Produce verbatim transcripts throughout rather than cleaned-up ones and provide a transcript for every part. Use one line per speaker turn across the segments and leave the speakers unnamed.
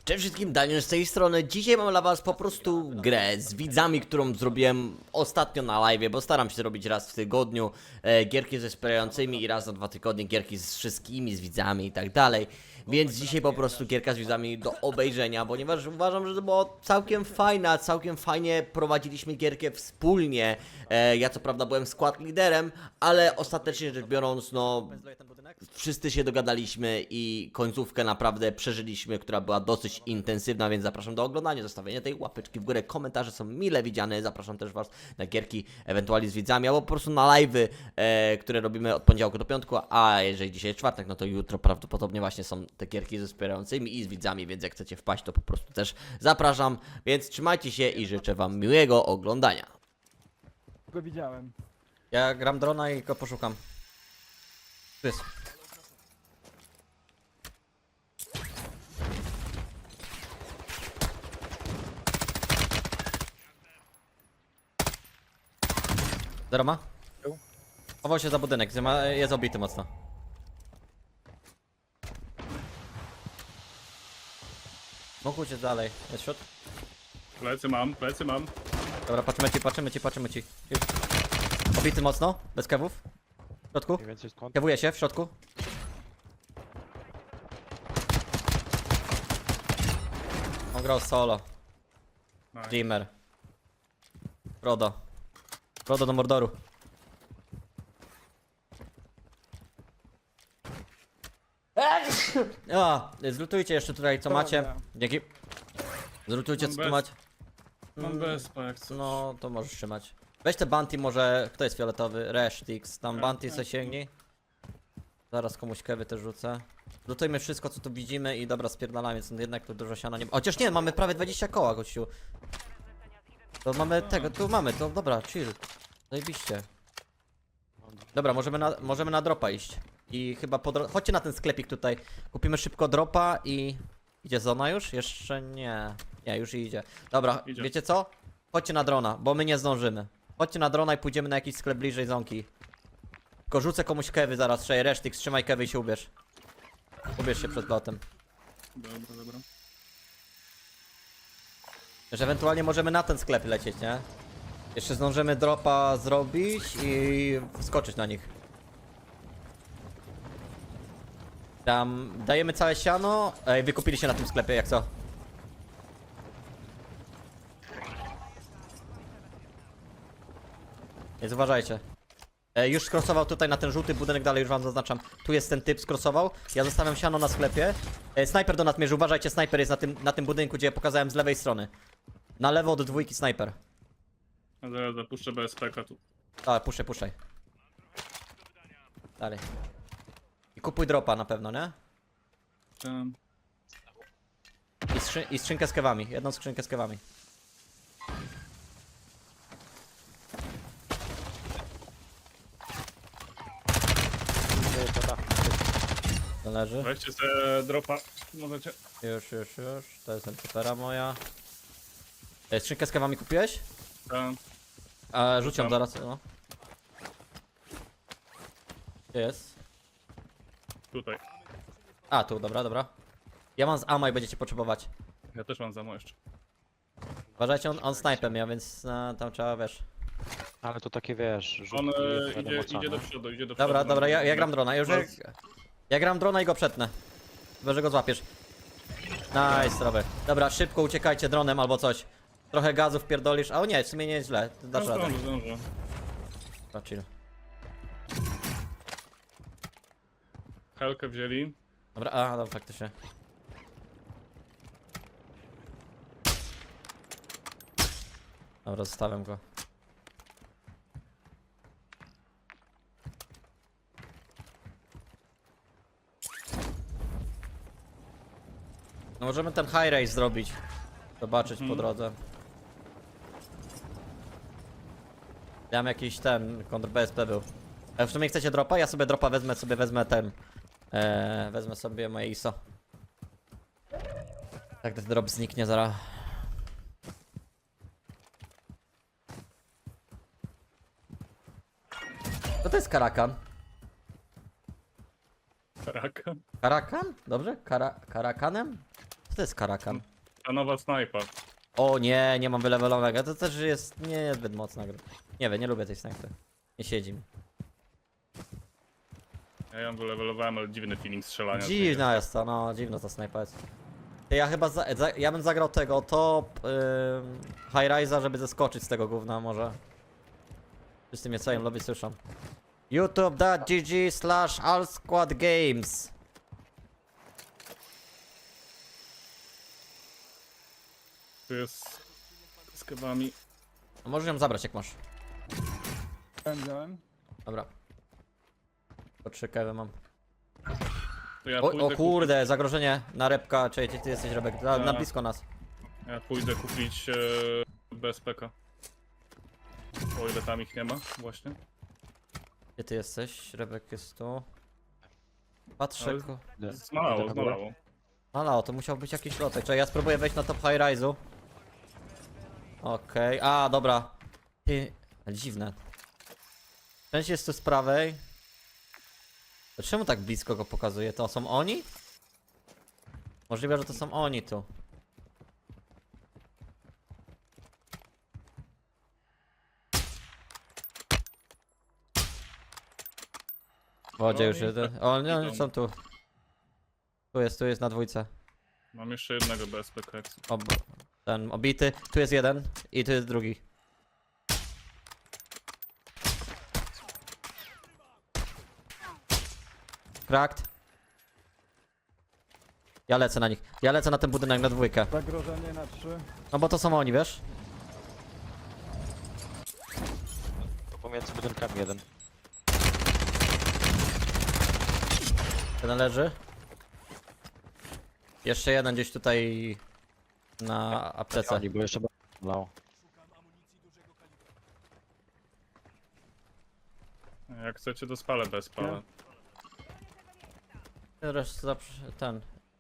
Cześć wszystkim, Daniel z tej strony. Dzisiaj mam dla was po prostu grę z widzami, którą zrobiłem ostatnio na live, bo staram się robić raz w tygodniu e, gierki ze wspierającymi i raz na dwa tygodnie gierki z wszystkimi, z widzami i tak dalej. Więc dzisiaj po prostu gierka z widzami do obejrzenia, ponieważ uważam, że to było całkiem fajna, całkiem fajnie prowadziliśmy gierkę wspólnie. E, ja co prawda byłem skład liderem, ale ostatecznie rzecz biorąc, no wszyscy się dogadaliśmy i końcówkę naprawdę przeżyliśmy, która była dosyć intensywna, więc zapraszam do oglądania, zostawienia tej łapeczki w górę, komentarze są mile widziane, zapraszam też was na gierki ewentualnie z widzami, albo po prostu na live'y, e, które robimy od poniedziałku do piątku, a jeżeli dzisiaj jest czwartek, no to jutro prawdopodobnie właśnie są te gierki ze wspierającymi i z widzami, więc jak chcecie wpaść, to po prostu też zapraszam, więc trzymajcie się i życzę wam miłego oglądania.
Go widziałem.
Ja gram drona i go poszukam. Tu jest. Zero ma? Chował się za budynek, jest obity mocno. Mógł uciec dalej, jest shot.
Plecy mam, plecy mam.
Dobra, patrzymy ci, patrzymy ci, patrzymy ci. Obity mocno, bez kewów. W środku,
Mniej więcej skąd?
kewuje się w środku. On grał solo.
Nice.
Dreamer. Frodo. Frodo do Mordoru. A, zlutujcie jeszcze tutaj co
Dobra.
macie. Dzięki. Zlutujcie
Mam
co tu
bez-
macie.
Mam bezpa jak coś.
No, to możesz trzymać. Weź te bounty może, kto jest fioletowy? Reshtix, tam bounty se sięgnij. Zaraz komuś kewy też rzucę. Lutujmy wszystko co tu widzimy i dobra spierdalamy, więc jednak tu dużo siana nie ma. Chociaż nie, mamy prawie dwadzieścia koła gościu. To mamy tego, tu mamy, to dobra, chill. Zajebiście. Dobra, możemy na, możemy na dropa iść. I chyba po dro... Chodźcie na ten sklepik tutaj. Kupimy szybko dropa i... Idzie zona już? Jeszcze nie. Nie, już idzie. Dobra,
Idzie.
wiecie co? Chodźcie na drona, bo my nie zdążymy. Chodźcie na drona i pójdziemy na jakiś sklep bliżej zonki. Tylko rzucę komuś kewy zaraz, trzej resztyk, trzymaj kewy i się ubierz. Ubierz się przed lotem.
Dobra, dobra.
Że ewentualnie możemy na ten sklep lecieć, nie? Jeszcze zdążymy dropa zrobić i wskoczyć na nich. Tam dajemy całe siano. Ej, wykupili się na tym sklepie, jak co? Więc uważajcie. E, już skrosował tutaj na ten żółty budynek, dalej już wam zaznaczam. Tu jest ten typ, skrosował. Ja zostawiam siano na sklepie. E, snajper do nadmierzy, uważajcie, snajper jest na tym, na tym budynku, gdzie ja pokazałem z lewej strony. Na lewo od dwójki snajper.
A zaraz zapuszczę B S P K tu.
A, puszczaj, puszczaj. Dalej. I kupuj dropa na pewno, nie?
Tam.
I, skrzy I skrzynkę z kewami, jedną skrzynkę z kewami.
Gdzie to da?
To leży.
Weźcie sobie dropa. Możecie.
Już, już, już. To jest supera moja. E, skrzynkę z kewami kupiłeś?
Tam.
A, rzuć ją
Tam.
zaraz, no. Gdzie jest?
Tutaj.
A, tu, dobra, dobra. Ja mam z ammo i będziecie potrzebować.
Ja też mam za mną jeszcze.
Uważajcie, on, on snajpem ja, więc e, tam trzeba, wiesz.
Ale to takie wiesz,
On
rzutki,
e,
wiadomo
idzie,
co,
idzie
no.
do przodu, idzie do przodu.
Dobra, dobra, ja, ja gram drona, już jak...
Bez-
Ja gram drona i go przetnę. Chyba, że go złapiesz. Nice, Robert. Dobra, szybko uciekajcie dronem albo coś. Trochę gazu wpierdolisz, a o nie, w sumie nie jest źle, ty dasz
No,
radę.
zdążę, zdążę.
Dobra, chill.
Helkę wzięli.
Dobra, a, dobra, faktycznie. Dobra, zostawiam go. No możemy ten high race zrobić. Zobaczyć po
Mhm.
drodze. Ja mam jakiś ten, kontra B S P był. A w sumie chcecie dropa? Ja sobie dropa wezmę, sobie wezmę ten. Eee, wezmę sobie moje I S O. Tak ten drop zniknie zaraz. Co to jest Karakan?
Karaka.
Karakan? Dobrze? Kara Karakanem? Co to jest karakan?
Ta nowa snajpa.
O nie, nie mam wylewelowanego. To też jest niezbyt mocna gra. Nie wiem, nie lubię tej snajpy. Nie siedzi mi.
Ja ją wylewelowałem, ale dziwny feeling strzelania. z niej
Dziwna jest to, no dziwna ta snajpa jest. Ty, ja chyba, za, za, ja bym zagrał tego top yy, High Rise'a, żeby zeskoczyć z tego gówna może. Wszyscy mnie cają lobby słyszą. youtube.gg slash allsquadgames.
Tu jest z kebami.
No możesz ją zabrać jak masz.
Wziąłem.
Dobra. Po trzy kewy mam.
To ja
O,
pójdę
o kurde, zagrożenie na repka. Czekaj, gdzie ty jesteś, Rebek? Na, na
A.
blisko nas.
Kupić, ja pójdę kupić e, B S P K. O ile tam ich nie ma, właśnie.
Gdzie ty jesteś? Rebek jest tu. Patrzę.
Ale-
ko-
Idę.
Zmalało,
Idę na górę.
zmalało.
Ale to musiał być jakiś lotek. Czekaj, ja spróbuję wejść na top high rise'u. Okej, a dobra. Ty, ale dziwne. Część jest tu z prawej. To czemu tak blisko go pokazuje? To są oni? Możliwe, że to są oni tu. W wodzie już
Oni
jeden.
tak
O, nie, oni
idą.
są tu. Tu jest, tu jest na dwójce.
Mam jeszcze jednego B S P K. jak chcę.
Ob ten obity. Tu jest jeden i tu jest drugi. Cracked. Ja lecę na nich. Ja lecę na ten budynek na dwójkę.
Zagrożenie na trzy.
No bo to są oni, wiesz?
To pomiędzy budynkami jeden.
Jeden leży. Jeszcze jeden gdzieś tutaj na aptece.
Oni, bo jeszcze lało.
Jak chcecie, to spalę bez spala.
Teraz zawsze ten.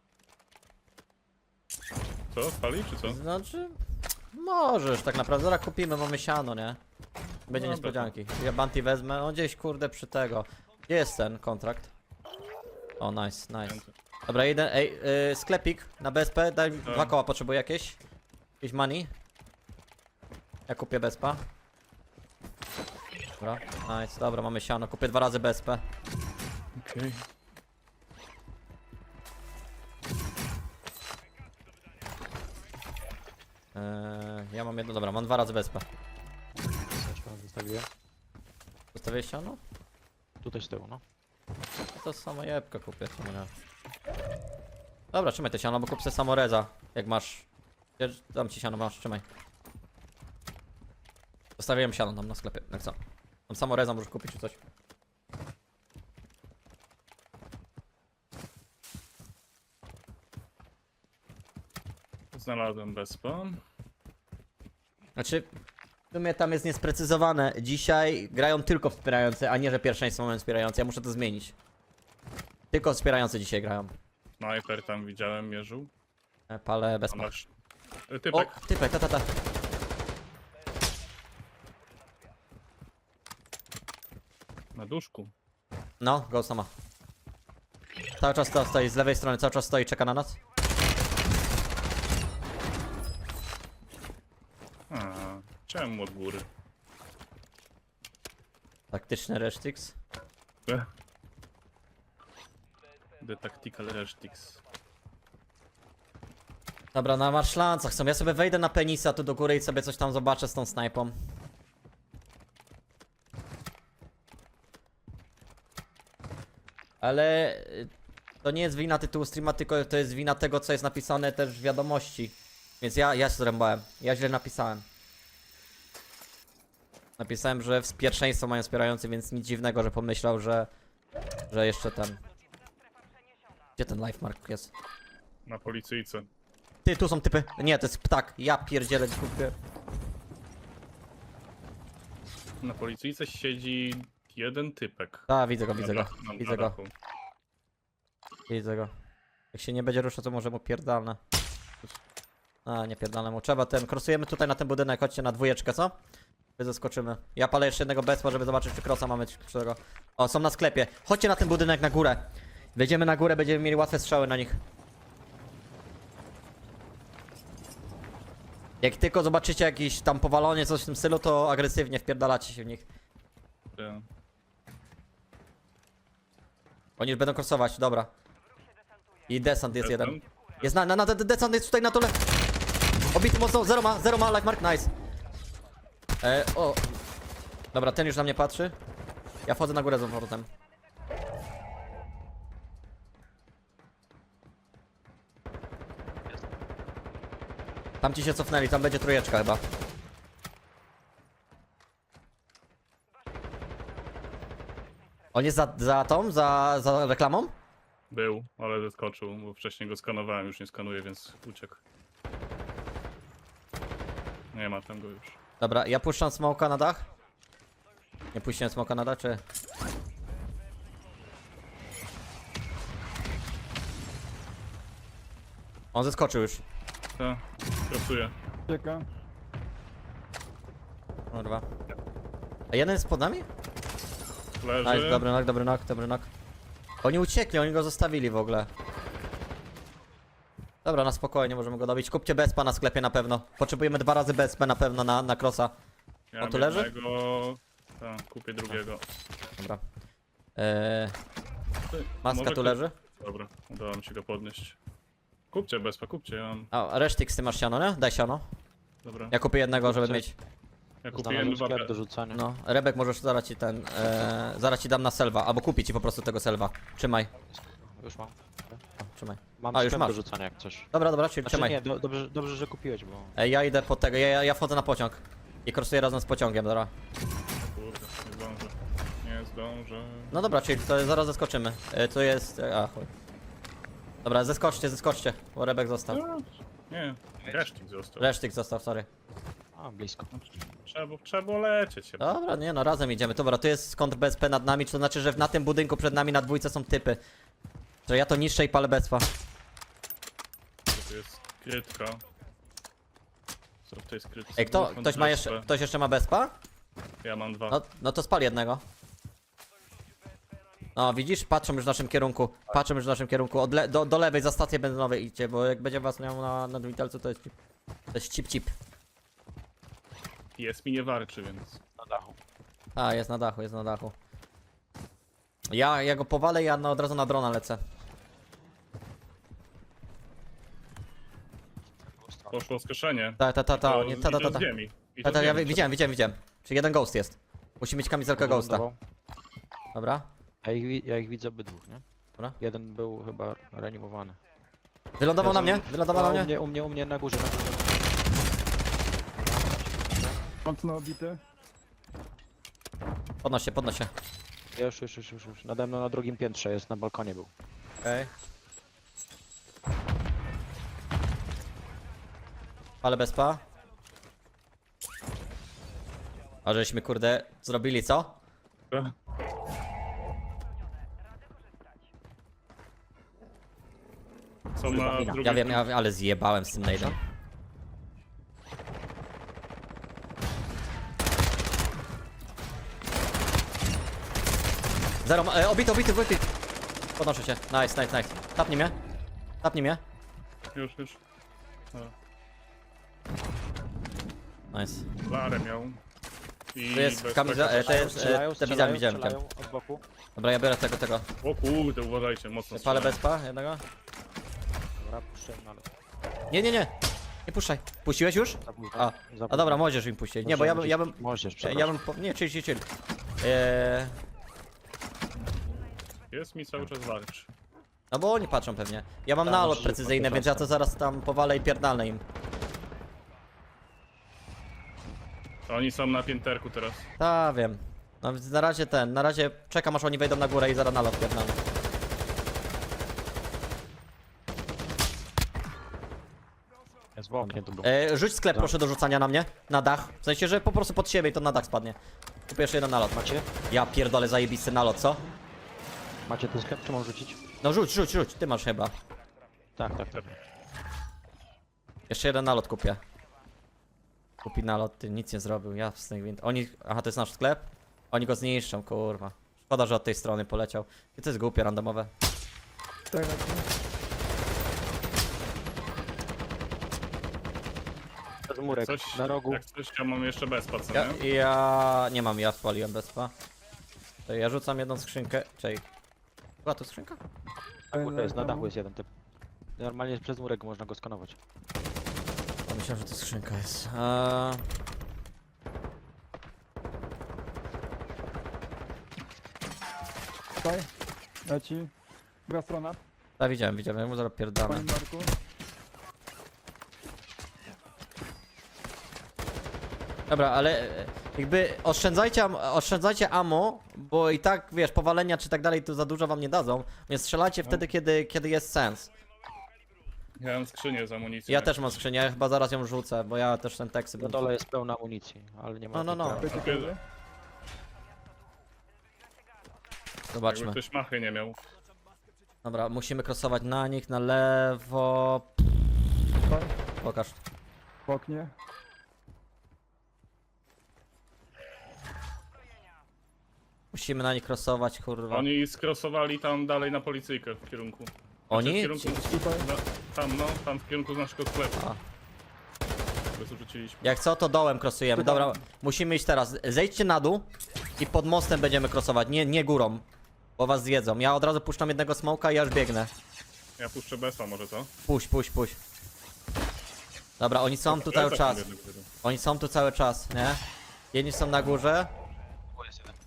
Co? Spali czy co?
Znaczy. Możesz tak naprawdę. Zaraz kupimy, mamy siano, nie? Będzie
Dobra.
niespodzianki. Ja Banti wezmę. On gdzieś kurde przy tego. Gdzie jest ten kontrakt? O, nice, nice. Dobra, jeden. Ej, yy, sklepik na B S P. Daj mi
Tak.
dwa koła, potrzebuję jakieś. Jakieś money. Ja kupię B S P. Dobra, nice, dobra, mamy siano. Kupię dwa razy B S P.
Okej.
Yy, ja mam jedno, dobra, mam dwa razy B S P.
Zostawiłem.
Zostawię siano?
Tutaj z tyłu, no.
To samo jebkę kupię, czemu nie? Dobra, trzymaj te siano, bo kup sobie samoreza, jak masz. Ja dam ci siano, masz, trzymaj. Zostawiłem siano tam na sklepie, jak co? Tam samoreza możesz kupić czy coś.
Znalazłem B S P.
Znaczy, w sumie tam jest niesprecyzowane. Dzisiaj grają tylko wspierający, a nie, że pierwszeństwo mają wspierający. Ja muszę to zmienić. Tylko wspierający dzisiaj grają.
Sniper tam widziałem, mierzył.
E, Palę bez
A
ma.
masz... E,
O,
Typek.
typek, ta, ta, ta.
Na duszku.
No, go sama. Cały czas to stoi, z lewej strony cały czas stoi, czeka na nas.
A, czemu od góry?
Taktyczny Reshtix.
E. The Tactical Restix.
Dobra, na marszlancach są. Ja sobie wejdę na penisa tu do góry i sobie coś tam zobaczę z tą snajpą. Ale y, to nie jest wina tytułu streama, tylko to jest wina tego, co jest napisane też w wiadomości. Więc ja, ja się zrębałem. Ja źle napisałem. Napisałem, że w pierwszeństwo mają wspierający, więc nic dziwnego, że pomyślał, że, że jeszcze ten... Gdzie ten life mark jest?
Na policyjce.
Ty, tu są typy. Nie, to jest ptak. Ja pierdzielę kupię.
Na policyjce siedzi jeden typek.
A, widzę go, widzę
Na
go.
dach- na- na
Widzę go,
dachu.
widzę go. Jak się nie będzie ruszał, to może mu pierdalne. A, nie pierdalne mu. Trzeba ten, krosujemy tutaj na ten budynek, chodźcie na dwójeczkę, co? My zaskoczymy. Ja palę jeszcze jednego bezpa, żeby zobaczyć, czy krosa mamy przy tego. O, są na sklepie. Chodźcie na ten budynek na górę. Wejdziemy na górę, będziemy mieli łatwe strzały na nich. Jak tylko zobaczycie jakiś tam powalenie, coś w tym stylu, to agresywnie wpierdalacie się w nich.
Ja.
Oni już będą crossować, dobra. I desant jest jeden.
Jestem.
Jest na, na, na, de- desant jest tutaj na dole. Obity mocno, zero ma, zero ma, life mark, nice. E, o. Dobra, ten już na mnie patrzy. Ja wchodzę na górę z powrotem. Tam ci się cofnęli, tam będzie trójeczka chyba. On jest za, za tą, za, za reklamą?
Był, ale zeskoczył, bo wcześniej go skanowałem, już nie skanuję, więc uciekł. Nie ma tam go już.
Dobra, ja puszczam smoka na dach. Nie puściłem smoka na dach, czy... On zeskoczył już.
Ta, krasuję.
Czeka.
Kurwa. A jeden jest pod nami?
Leży.
Nice, dobry knock, dobry knock, dobry knock. Oni uciekli, oni go zostawili w ogóle. Dobra, na spokojnie możemy go dobić. Kupcie bezpa na sklepie na pewno. Potrzebujemy dwa razy bezpę na pewno na, na crossa.
Ja
on tu leży?
jednego... Ta, kupię drugiego.
Dobra. Eee,
Ty,
maska
może
tu
ktoś-
leży.
Dobra, udało mi się go podnieść. Kupcie bezpa, kupcie, ja mam...
A, resztyk ty masz siano, nie? Daj siano.
Dobra,
Ja kupię jednego, żeby
Kupcie.
mieć.
ja kupię
Znalazłem
dwa...
sklep do rzucania.
No, Rebek możesz zaraz ci ten, e, zaraz ci dam na selwa, albo kupię ci po prostu tego selwa. Trzymaj,
Już mam.
o, trzymaj.
Mam
A, już
sklep
masz.
do rzucania jak coś.
Dobra, dobra, czyli
Znaczy
trzymaj.
nie, do, dobrze, dobrze, że kupiłeś, bo...
E, ja idę po tego, ja, ja, ja wchodzę na pociąg. I krosuję razem z pociągiem, dobra.
Kurde, nie zdążę. Nie zdążę.
No dobra, czyli to zaraz zeskoczymy. E, to jest, e, a chuj. Dobra, zeskoczcie, zeskoczcie, bo Rebek został.
No, nie, resztik został.
Resztyk został, sorry.
A, blisko.
Trzeba, trzeba było lecieć. Ja
Dobra, nie no, razem idziemy. Dobra, to jest kontr B S P nad nami, to znaczy, że na tym budynku przed nami na dwójce są typy. Że ja to niszczę i palę bezpa.
To jest krytka. Co w tej skrytce?
Ej, kto,
Dwóch
ktoś ma jeszcze,
kontrastę.
ktoś jeszcze ma bezpa?
Ja mam dwa.
No, no to spal jednego. No widzisz, patrzą już w naszym kierunku, patrzą już w naszym kierunku, od le do, do lewej za stację benzynowej idźcie, bo jak będzie was miał na, na witalcu, to jest cip. To jest cip cip.
Jest mi nie warczy, więc...
Na dachu.
A, jest na dachu, jest na dachu. Ja, ja go powalę i ja na, od razu na drona lecę.
Poszło skrzeszenie.
Ta, ta, ta, ta,
To
nie, ta, ta,
i
ta,
to
ta.
z ziemi. I
Ta,
to
ta,
z
ja
ziemi.
wi- widziałem, widziałem, widziałem. Czyli jeden ghost jest. Musi mieć kamizelkę ghosta.
Wylądował.
Dobra.
Ja ich, wi- ja ich widzę obydwóch, nie?
Dobra.
Jeden był chyba reanimowany.
Wylądował na
Ja
mnie?
to-
Wylądował na
A, u
mnie?
mnie, u mnie, u mnie na górze, na górze.
Mocno obity.
Podnoś się, podnoś się.
Już, już, już, już, już. Nade mną na drugim piętrze jest, na balkonie był.
Okej. Ale bezpa. A żeśmy kurde zrobili co?
Są na drugiej...
Ja wiem, ja, ale zjebałem z tym nade'em. Zero, ma- e, obity, obity, obity. Podnoszę się. Nice, nice, nice. Tapnij mnie. Tapnij mnie.
Już, już.
Nice.
Larę miał. I
To jest
bez
kamiza-
tego
e, to jest-
Strzelają,
te
strzelają,
widziałem, widziałem,
strzelają od boku.
Dobra, ja biorę tego, tego.
O kurde, uważajcie, mocno
Palę
strzelają.
bezpa jednego.
Dobra, puszczę, no ale...
Nie, nie, nie. Nie puszczaj. Puściłeś już?
za późno,
A,
za
a
późno.
dobra, możesz im puścić. Nie, bo ja bym, ja bym,
Możesz,
ja
przepraszam.
bym, po- nie, chill, chill, chill. Eee,
Jest mi cały czas warcz.
no bo oni patrzą pewnie. Ja mam
Tak,
nalot
musisz
precyzyjny,
podnieść
więc ja to
ostro.
zaraz tam powalę i pierdolę im.
Oni są na pięterku teraz.
Ta, wiem. No więc na razie ten, na razie czekam aż oni wejdą na górę i zaraz nalot pierdolę.
Jest w oknie, to był.
Eee, rzuć sklep
No.
proszę do rzucania na mnie. Na dach. W sensie, że po prostu pod siebie i to na dach spadnie. Kupię jeszcze jeden nalot.
Macie?
Ja pierdolę zajebisty nalot, co?
Macie ten sklep, czy mam rzucić?
No rzuć, rzuć, rzuć. Ty masz chyba.
Tak, tak, tak.
Jeszcze jeden nalot kupię. Kupi nalot, ty nic nie zrobił, ja z tych wind. Oni. Aha, to jest nasz sklep? Oni go zniszczą, kurwa. Szkoda, że od tej strony poleciał. I to jest głupie, randomowe.
Tak, tak.
Przez murek,
Coś,
na rogu.
Jak coś, ja mam jeszcze bezpa, co
Ja,
nie?
ja nie mam, ja spaliłem bezpa. To ja rzucam jedną skrzynkę. Czej. Była tu skrzynka?
Na górze jest, na dachu jest jeden typ. Normalnie przez murek można go skanować.
Ja myślałem, że to skrzynka jest. Eee...
Tutaj. Leci. Druga strona.
Tak, widziałem, widziałem, ja mu zaraz pierdolę.
Panie Marku.
Dobra, ale e, jakby oszczędzajcie, am- oszczędzajcie ammo, bo i tak, wiesz, powalenia czy tak dalej to za dużo wam nie dadzą, więc strzelajcie wtedy, kiedy, kiedy jest sens.
Ja mam skrzynię z amunicją.
Ja
jak
też mam
coś.
skrzynię, ja chyba zaraz ją rzucę, bo ja też ten tekst
Na
bym...
dole jest pełna amunicji, ale nie ma...
No, no, no.
tutaj-
Leci
Okej.
kiedy?
Jakby
Zobaczmy.
ktoś machy nie miał.
Dobra, musimy krosować na nich, na lewo...
Tutaj.
Pokaż.
W oknie.
Musimy na nich krosować, kurwa.
Oni skrosowali tam dalej na policyjkę w kierunku. Znaczy,
Oni?
W kierunku,
Tutaj.
no, tam, no, tam w kierunku z naszego sklepu.
A.
Bez rzuciliśmy.
Jak co, to dołem krosujemy. Dobra, musimy iść teraz. Zejdźcie na dół i pod mostem będziemy krosować, nie, nie górą. Bo was zjedzą. Ja od razu puszczam jednego smoka i ja już biegnę.
Ja puszczę Besa może, co?
Puść, puść, puść. Dobra, oni są tu cały
Besa
czas.
tam jeden, jeden.
Oni są tu cały czas, nie? Jedni są na górze,
O, jest jeden.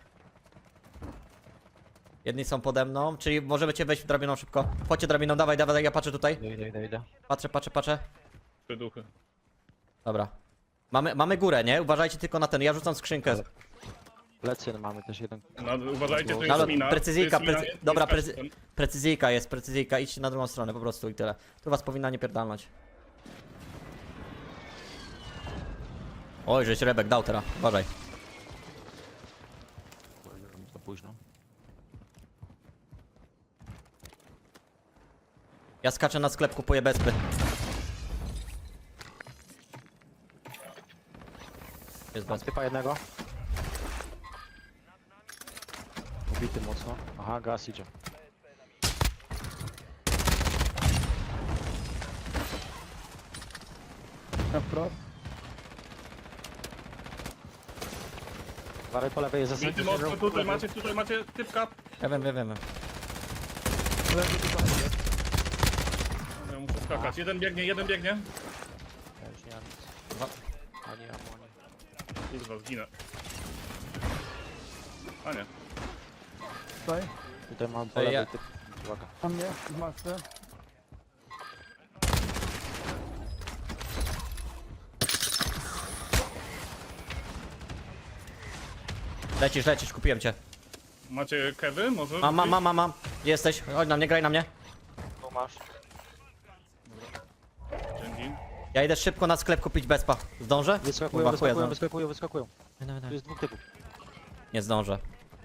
jedni są pode mną, czyli możemy cię wejść w drabiną szybko. Chodźcie drabiną, dawaj, dawaj, ja patrzę tutaj.
Idę, idę, idę, idę.
Patrzę, patrzę, patrzę.
Trzy duchy.
Dobra. Mamy, mamy górę, nie? Uważajcie tylko na ten, ja rzucam skrzynkę.
Plecy mamy też jeden.
No, uważajcie, tu
No,
jest
ale
mina.
precyzyjka,
tu jest mina,
precy-
nie- nie
dobra,
skaczcie
precy-
tam.
Precyzyjka jest, precyzyjka, idźcie na drugą stronę po prostu i tyle. Tu was powinna nie pierdalnąć. Oj, żeś Rebek dał teraz, uważaj.
Za późno.
Ja skaczę na sklep, kupuję bezpy. Jest
Mam
bezpy.
typa jednego. Ubity mocno. Aha, gaz idzie.
Na wprost.
Waraj po lewej jest
Bity
zasadnie.
mocno, tutaj macie, tutaj macie typka.
Ja wiem, wiem, wiem.
Leży tutaj.
Ja muszę skakać. Jeden biegnie, jeden biegnie.
Ja już nie mam nic.
Dwa.
Ani ammo, ani...
Kurwa, zginę. A nie.
Tutaj.
Tutaj mam po
Ej,
lewej
ja-
typ. Uwaga.
Na mnie. W masce.
Lecisz, lecisz, kupiłem cię.
Macie kewy może?
Mam, mam, mam, mam, mam. Gdzie jesteś? Chodź na mnie, graj na mnie.
Tu masz.
Dzięki.
Ja idę szybko na sklep kupić bezpa. Zdążę?
Wyskakują,
Kurwa, chuja
wyskakują,
zdążę.
wyskakują, wyskakują.
Dawaj, dawaj,
Tu
dawaj.
jest dwóch typów.
Nie zdążę.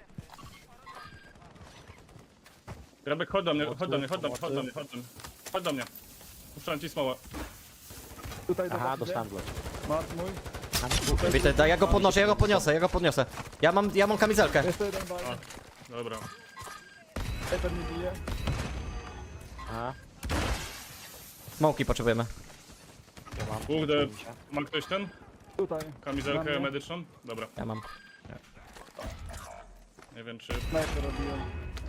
Rebek, chodź do mnie, chodź do mnie, chodź do mnie,
Pomocy.
chodź do mnie, chodź do mnie. Chodź do mnie. Puszczam ci smołę.
Tutaj
Aha,
zobaczcie.
dostałem go.
Mark mój.
Mam dwóch.
Widzę, daj, ja go podnoszę, ja go podniosę, ja go podniosę. Ja mam, ja mam kamizelkę.
Jeszcze jeden bal.
Dobra.
Eter mi bije.
Aha,
Smoki potrzebujemy.
ja mam.
Kurde,
Mi się.
ma ktoś ten?
Tutaj. Na
Kamizelkę
mnie.
medyczną? Dobra.
Ja mam.
Nie wiem czy...
Snajper robiłem.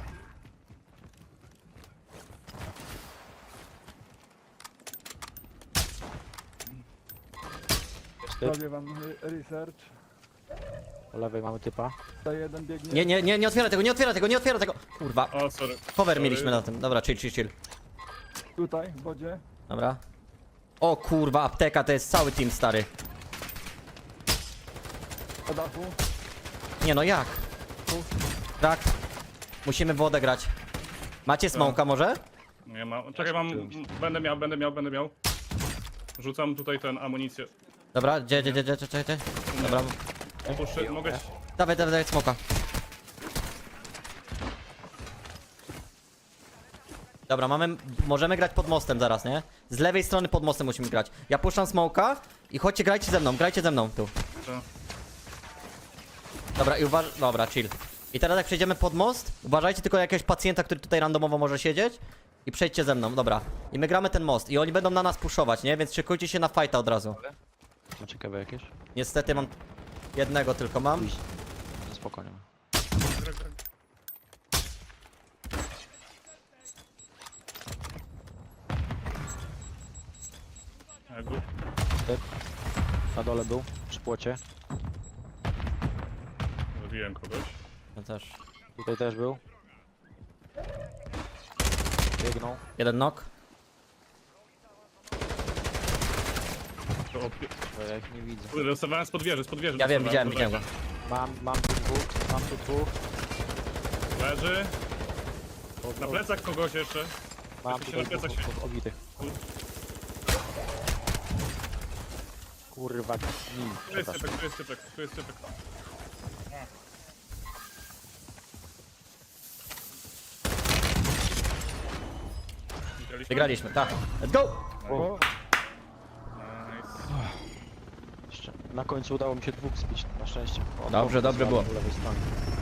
Jest typ.
Robię wam research.
Po lewej mamy typa.
Tutaj jeden biegnie.
Nie, nie, nie, nie otwieraj tego, nie otwieraj tego, nie otwieraj tego. Kurwa.
O, sorry.
Cover
Sorry.
mieliśmy na tym. Dobra, chill, chill, chill.
Tutaj, w wodzie.
Dobra. O kurwa, apteka to jest cały team stary.
Po dachu.
Nie no jak? Tak. Musimy w wodę grać. Macie smoka może?
Nie ma. Czekaj, mam... Będę miał, będę miał, będę miał. Rzucam tutaj ten amunicję.
Dobra, gdzie, gdzie, gdzie, gdzie, gdzie, gdzie? Dobra,
Puszczę, mogę...
dawaj, dawaj, dawaj smoka. Dobra, mamy, możemy grać pod mostem zaraz, nie? Z lewej strony pod mostem musimy grać. Ja puszczam smoka i chodźcie, grajcie ze mną, grajcie ze mną tu.
To-
Dobra, i uważ... Dobra, chill. I teraz jak przejdziemy pod most, uważajcie tylko na jakiegoś pacjenta, który tutaj randomowo może siedzieć. I przejdźcie ze mną, dobra. I my gramy ten most i oni będą na nas puszować, nie? Więc szykujcie się na fighta od razu.
Ma ciekawe jakieś?
Niestety mam... Jednego tylko mam.
Pójść. No spokojnie.
Greg, Greg. A, gór.
Na dole był, przy płocie.
Zabiłem kogoś.
Ja też.
Tutaj też był. Biegną.
Jeden knock.
To opie...
Bo ja ich nie widzę.
Kurde, dostawałem spod wieży, spod wieży.
Ja wiem,
dostawałem,
widziałem,
to
widziałem go.
Mam, mam tu dwóch, mam tu dwóch.
Leży.
Od,
Na
od,
plecach kogoś jeszcze.
mam
się
tutaj
na plecach
dwóch
się-
od, obitych. Kurwa, nim,
Tu jest
przepraszam.
typek, tu jest typek, tu jest typek. Wygraliśmy?
Wygraliśmy, tak. Let's go!
O,
Nice.
Jeszcze na końcu udało mi się dwóch spić, na szczęście. O,
Dobrze,
o,
dobrze było.
po lewej stronie.